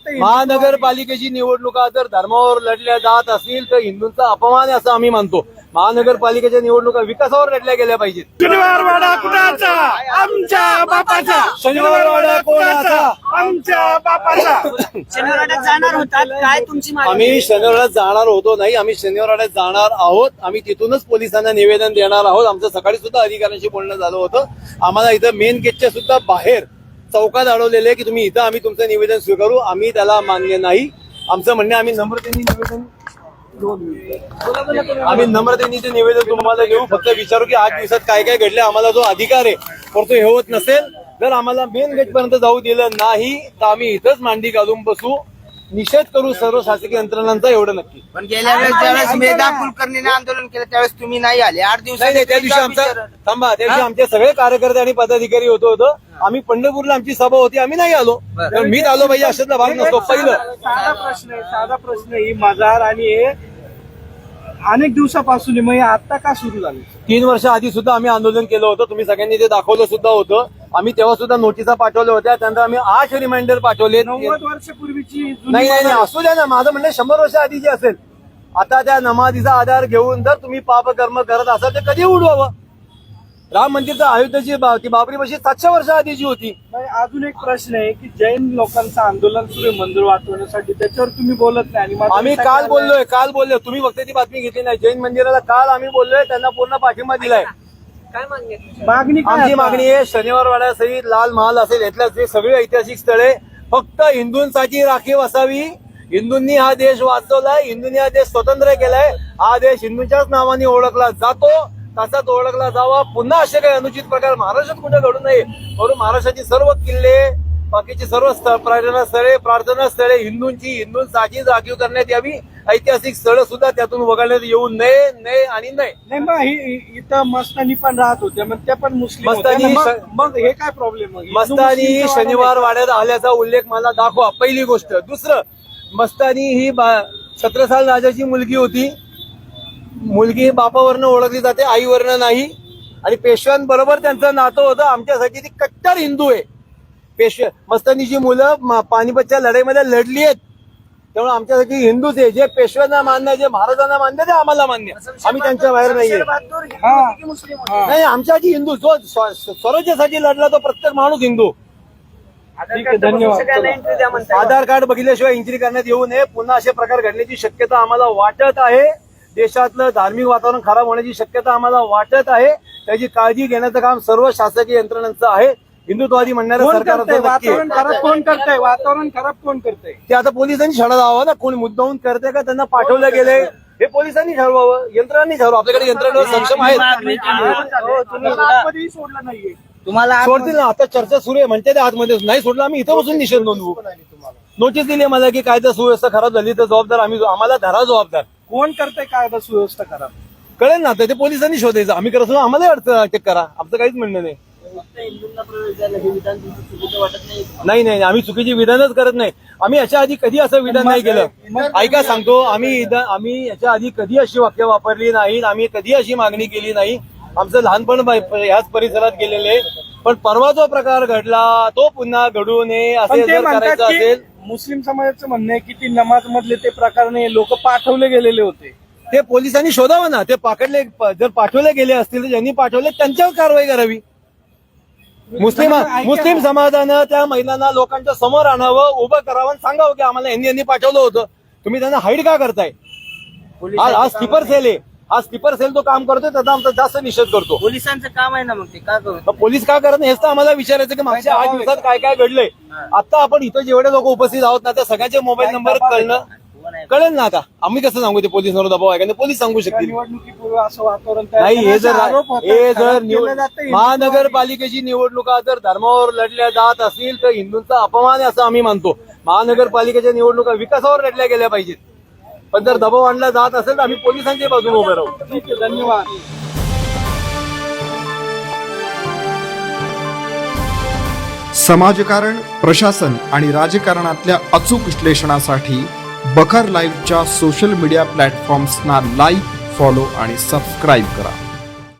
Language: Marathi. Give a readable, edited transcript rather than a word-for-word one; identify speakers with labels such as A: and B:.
A: महानगरपालिकेची निवडणुका जर धर्मावर लढल्या जात असतील तर हिंदूंचा अपमान आहे असं आम्ही मानतो. महानगरपालिकेच्या निवडणुका विकासावर लढल्या गेल्या पाहिजेत.
B: शनिवारवाडा कुणाचा? आमच्या बापाचा.
A: शनिवारवाडा कोणाचा?
B: आमच्या बापाचा.
C: शनिवारवाड्यात जाणार होतात काय तुमची मागणी?
A: आम्ही शनिवारवाड्यात जाणार होतो नाही, आम्ही शनिवारवाड्यात जाणार आहोत. आम्ही तिथूनच पोलिसांना निवेदन देणार आहोत. आमचं सकाळी सुद्धा अधिकाऱ्यांशी बोलणं झालं होतं. आम्हाला इथं मेन गेटच्या सुद्धा बाहेर चौकात अडवलेले की तुम्ही इथं आम्ही तुमचं निवेदन स्वीकारू. आम्ही त्याला मान्य नाही. आमचं म्हणणे आम्ही नम्रतेने निवेदन ते निवेदन तुम्हाला देऊ. फक्त विचारू की 8 दिवसात काय काय घडले. आम्हाला जो अधिकार आहे तर तो हे होत नसेल. जर आम्हाला मेन गेट पर्यंत जाऊ दिलं नाही तर आम्ही इथंच मांडी घालून बसू, निषेध करू सर्व शासकीय यंत्रणांचा, एवढं नक्की.
C: पण गेल्या वेळेस ज्यावेळेस मेधा कुलकर्णीने आंदोलन केलं त्यावेळेस तुम्ही नाही आले. 8 दिवसात
A: नाही, त्या दिवशी आमचा थांबा, त्या दिवशी आमचे सगळे कार्यकर्ते आणि पदाधिकारी होतं. आम्ही पंढरपूरला आमची सभा होती, आम्ही नाही आलो. तर मीच आलो पाहिजे अशातला भाग नसतो. पहिलं
B: साधा प्रश्न ही मजार आणि हे अनेक दिवसापासून मग आता का सुरू झालं?
A: 3 वर्ष आधी सुद्धा आम्ही आंदोलन केलं होतं. तुम्ही सगळ्यांनी ते दाखवलं सुद्धा होतं. आम्ही तेव्हा सुद्धा नोटिसा पाठवल्या होत्या. त्यानंतर आम्ही 8 रिमाइंडर पाठवले.
B: 90 वर्षापूर्वीची
A: नाही, असू द्या ना. माझं म्हणणं 100 वर्ष आधीची असेल. आता त्या नमाजीचा आधार घेऊन जर तुम्ही पापकर्म करत असाल तर कधी उडवावं? राम मंदिरचा अयोध्येची ती बाबरी मशीद 700 वर्ष आधीची होती.
B: अजून एक प्रश्न आहे की जैन लोकांचं आंदोलन सुरू आहे मंदिर वाचवण्यासाठी, त्याच्यावर तुम्ही बोलत नाही. आणि
A: आम्ही काल बोललोय. तुम्ही फक्त ती बातमी घेतली नाही. जैन मंदिराला काल आम्ही बोललोय, त्यांना पूर्ण पाठिंबा दिलाय.
C: काय मागणी?
B: मागणी
A: आमची मागणी आहे शनिवारवाडा सहित लाल महाल असेल यातल्या जे सगळी ऐतिहासिक स्थळे फक्त हिंदूंसाठी राखीव असावी. हिंदूंनी हा देश वाचवलाय, हिंदूंनी हा देश स्वतंत्र केलाय. हा देश हिंदूंच्याच नावाने ओळखला जातो, तसाच ओळखला जावा. पुन्हा असे काही अनुचित प्रकार महाराष्ट्रात कुठे घडू नये म्हणून महाराष्ट्राची सर्व किल्ले, बाकीची सर्व प्रार्थना स्थळे हिंदूंसाठी राखीव करण्यात यावी. ऐतिहासिक स्थळं सुद्धा त्यातून वगळण्यात येऊ नये आणि नाही.
B: मग इथं मस्तानी पण राहत होते, मग त्या पण मुस्लिम होत्या. मग हे काय प्रॉब्लेम?
A: मस्तानी शनिवार वाड्यात आल्याचा उल्लेख मला दाखवा, पहिली गोष्ट. दुसरं, मस्तानी ही 17 साल राजाची मुलगी होती. मुलगी बापावरनं ओळखली जाते, आईवरनं नाही. आणि पेशव्यांबरोबर त्यांचं नातं होतं. आमच्यासाठी ती कट्टर हिंदू आहे. मस्तानीची मुलं पानिपतच्या लढाईमध्ये लढली आहेत, त्यामुळे आमच्यासाठी हिंदूच आहे. जे पेशव्यांना मान्य, जे महाराजांना मान्य ते आम्हाला मान्य. आम्ही त्यांच्या बाहेर नाहीये. नाही, आमच्यासाठी हिंदू. जो स्वराज्यासाठी लढला तो प्रत्येक माणूस हिंदू.
B: धन्यवाद.
A: आधार कार्ड बघितल्याशिवाय एंट्री करण्यात येऊ नये. पुन्हा असे प्रकार घडण्याची शक्यता आम्हाला वाटत आहे. देशातलं धार्मिक वातावरण खराब होण्याची शक्यता आम्हाला वाटत आहे. त्याची काळजी घेण्याचं काम सर्व शासकीय यंत्रणांचं आहे. हिंदुत्ववादी म्हणणाऱ्या सरकारचं
B: वातावरण खराब कोण करतंय?
A: ते आता पोलिसांनी छडा लावा ना. कोणी मुद्दाहून करते का त्यांना पाठवलं गेलंय हे पोलिसांनी ठरवावं, यंत्रणांनी ठरवावं. आपल्याकडे यंत्रणा सक्षम आहेत.
B: सोडलं नाहीये
C: तुम्हाला
A: सोडतील ना. आता चर्चा सुरू आहे म्हणते ते आतमध्ये नाही सोडलं. आम्ही इथं बसून निषेध नोंदवू. नोटीस दिली मला की कायदा सुव्यवस्था खराब झाली तर जबाबदार आम्हाला धरा जबाबदार.
B: कोण करतंय कायदा सुव्यवस्था खराब?
A: कळेल ना. तर ते पोलिसांनी शोधायचं. आम्ही करत असतो आम्हाला अटक करा. आमचं काहीच म्हणणं नाही. नाही, आम्ही चुकीची विधानच करत नाही. आम्ही याच्या आधी कधी असं विधान नाही केलं. ऐका सांगतो, आम्ही याच्या आधी कधी अशी वाक्य वापरली नाहीत. आम्ही कधी अशी मागणी केली नाही. आमचं लहानपण ह्याच परिसरात गेलेले. पण परवा जो प्रकार घडला तो पुन्हा घडू नये असे जर करायचं असेल.
B: मुस्लिम समाजाचं म्हणणं आहे की ती नमाज मधले ते प्रकार नाही, लोक पाठवले गेलेले होते.
A: ते पोलिसांनी शोधावं ना. ते जर पाठवले गेले असतील तर ज्यांनी पाठवले त्यांच्यावर कारवाई करावी. मुस्लिम समाजानं त्या महिलांना लोकांच्या समोर आणावं, उभं करावं, सांगावं की आम्हाला यांनी पाठवलं होतं. तुम्ही त्यांना हाईड का करताय? हा स्लीपर सेल आहे. हा स्लीपर सेल तो काम करतोय, त्याचा आमचा जास्त निषेध करतो.
C: पोलिसांचं काम आहे ना, मग ते का करू?
A: पोलीस का करत नाही हेच तर आम्हाला विचारायचं की मागच्या 8 दिवसात काय काय घडलंय. आता आपण इथं जेवढे लोक उपस्थित आहोत ना त्या सगळ्यांचे मोबाईल नंबर कळेल ना. आता आम्ही कसं सांगू ते पोलिसांवर दबाव आहे का? पोलीस सांगू शकतील.
B: निवडणुकीपूर्वी असं वातावरण
A: नाही. हे जर महानगरपालिकेची निवडणुका जर धर्मावर लढल्या जात असतील तर हिंदूंचा अपमान आहे असं आम्ही मानतो. महानगरपालिकेच्या निवडणुका विकासावर लढल्या गेल्या पाहिजेत. पण जर दबाव आणला जात असेल तर आम्ही पोलिसांच्या बाजूने उभे राहू.
B: ठीक आहे, धन्यवाद.
D: समाजकारण, प्रशासन आणि राजकारणातल्या अचूक विश्लेषणासाठी बखर लाईव्हच्या सोशल मीडिया प्लॅटफॉर्म्सना लाईक, फॉलो आणि सबस्क्राईब करा.